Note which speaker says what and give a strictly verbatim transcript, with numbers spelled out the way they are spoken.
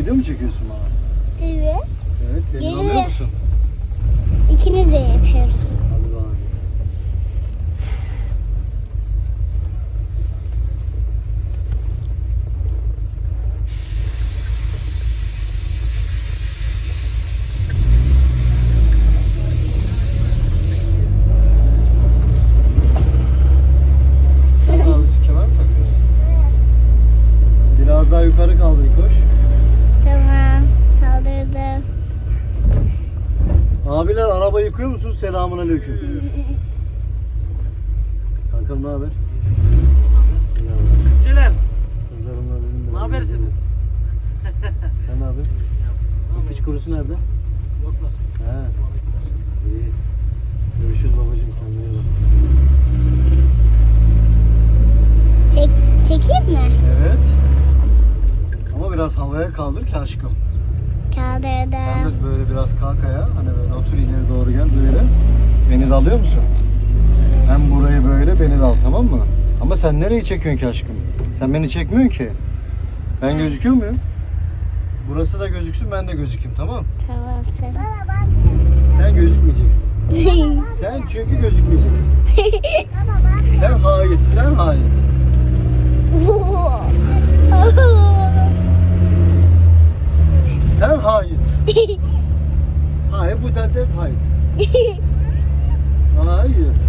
Speaker 1: Video mu çekiyorsun bana?
Speaker 2: Evet.
Speaker 1: Evet, beni
Speaker 2: Geliyor.
Speaker 1: alıyor musun?
Speaker 2: İkimiz de yapıyoruz.
Speaker 1: Hadi bakalım. Sen abi kemer mi takıyorsun? Biraz daha yukarı kaldır koş.
Speaker 2: Tamam. Kaldırdım.
Speaker 1: Abiler araba yıkıyor musun? Selamun aleyküm. Kankam ne haber?
Speaker 3: Kızçeler,
Speaker 1: Kızlarımla dedim de.
Speaker 3: ne habersiniz?
Speaker 1: Sen ne yapıyorsun? Bu piç kurusu nerede?
Speaker 3: Yoklar.
Speaker 1: He. İyi. Görüşürüz babacığım, kendine iyi bak.
Speaker 2: Çek, çekeyim mi?
Speaker 1: Evet. Ama biraz havaya kaldır ki aşkım. Sen
Speaker 2: Kaldırdım.
Speaker 1: de böyle biraz kalk ayağa. Hani böyle otur ileri doğru gel böyle. Beni de alıyor musun? Hem burayı böyle beni de al, tamam mı? Ama sen nereyi çekiyorsun ki aşkım? Sen beni çekmiyorsun ki. Ben gözüküyor muyum? Burası da gözüksün, ben de gözükeyim, tamam?
Speaker 2: Tamam sen.
Speaker 1: Sen gözükmeyeceksin. Sen çünkü gözükmeyeceksin. Sen hain, sen hain. Sen hain. Hain bu dente hain. Hayır.